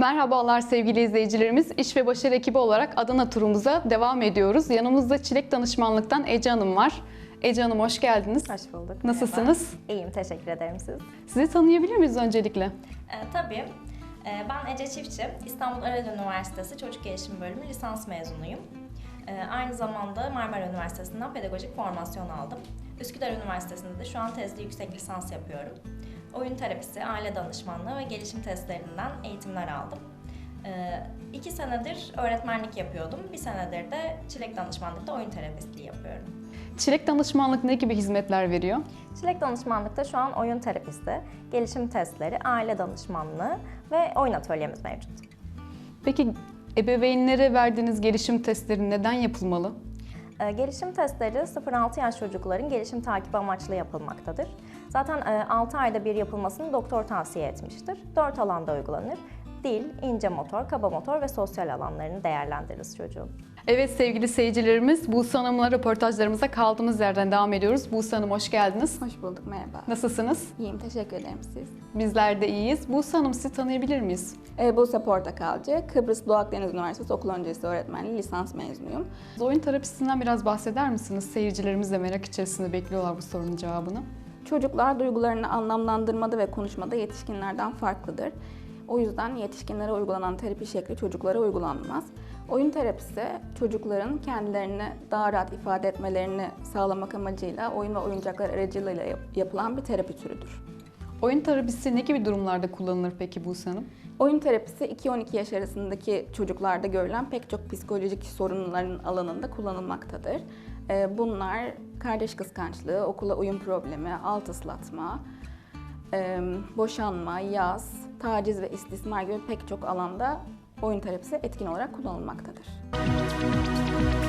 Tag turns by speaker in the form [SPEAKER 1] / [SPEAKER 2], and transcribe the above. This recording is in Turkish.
[SPEAKER 1] Merhabalar sevgili izleyicilerimiz. İş ve Başarı ekibi olarak Adana turumuza devam ediyoruz. Yanımızda Çilek Danışmanlık'tan Ece Hanım var. Ece Hanım hoş geldiniz.
[SPEAKER 2] Hoş bulduk.
[SPEAKER 1] Nasılsınız?
[SPEAKER 2] Merhaba. İyiyim, teşekkür ederim siz.
[SPEAKER 1] Sizi tanıyabilir miyiz öncelikle?
[SPEAKER 2] Tabii. Ben Ece Çiftçi, İstanbul Ereğli Üniversitesi Çocuk Gelişim Bölümü lisans mezunuyum. Aynı zamanda Marmara Üniversitesi'nden pedagojik formasyon aldım. Üsküdar Üniversitesi'nde de şu an tezli yüksek lisans yapıyorum. Oyun terapisi, aile danışmanlığı ve gelişim testlerinden eğitimler aldım. 2 senedir öğretmenlik yapıyordum. 1 senedir de Çilek Danışmanlık'ta oyun terapistliği yapıyorum.
[SPEAKER 1] Çilek Danışmanlık ne gibi hizmetler veriyor?
[SPEAKER 2] Çilek Danışmanlık'ta şu an oyun terapisti, gelişim testleri, aile danışmanlığı ve oyun atölyemiz mevcut.
[SPEAKER 1] Peki ebeveynlere verdiğiniz gelişim testleri neden yapılmalı?
[SPEAKER 2] Gelişim testleri 0-6 yaş çocukların gelişim takibi amaçlı yapılmaktadır. Zaten 6 ayda bir yapılmasını doktor tavsiye etmiştir. 4 alanda uygulanır. Dil, ince motor, kaba motor ve sosyal alanlarını değerlendiririz çocuğun.
[SPEAKER 1] Evet sevgili seyircilerimiz, Buse Hanım'la röportajlarımıza kaldığımız yerden devam ediyoruz. Buse Hanım hoş geldiniz.
[SPEAKER 3] Hoş bulduk, merhaba.
[SPEAKER 1] Nasılsınız?
[SPEAKER 3] İyiyim, teşekkür ederim siz.
[SPEAKER 1] Bizler de iyiyiz. Buse Hanım sizi tanıyabilir miyiz?
[SPEAKER 3] Buse Portakalcı, Kıbrıs Doğu Akdeniz Üniversitesi Okul Öncesi Öğretmenliği lisans mezunuyum.
[SPEAKER 1] Oyun terapisinden biraz bahseder misiniz? Seyircilerimiz de merak içerisinde bekliyorlar bu sorunun cevabını.
[SPEAKER 3] Çocuklar duygularını anlamlandırmada ve konuşmada yetişkinlerden farklıdır. O yüzden yetişkinlere uygulanan terapi şekli çocuklara uygulanmaz. Oyun terapisi çocukların kendilerini daha rahat ifade etmelerini sağlamak amacıyla oyun ve oyuncaklar aracılığıyla yapılan bir terapi türüdür.
[SPEAKER 1] Oyun terapisi ne gibi durumlarda kullanılır peki Buse Hanım?
[SPEAKER 3] Oyun terapisi 2-12 yaş arasındaki çocuklarda görülen pek çok psikolojik sorunların alanında kullanılmaktadır. Bunlar kardeş kıskançlığı, okula uyum problemi, alt ıslatma, boşanma, yas, taciz ve istismar gibi pek çok alanda oyun terapisi etkin olarak kullanılmaktadır.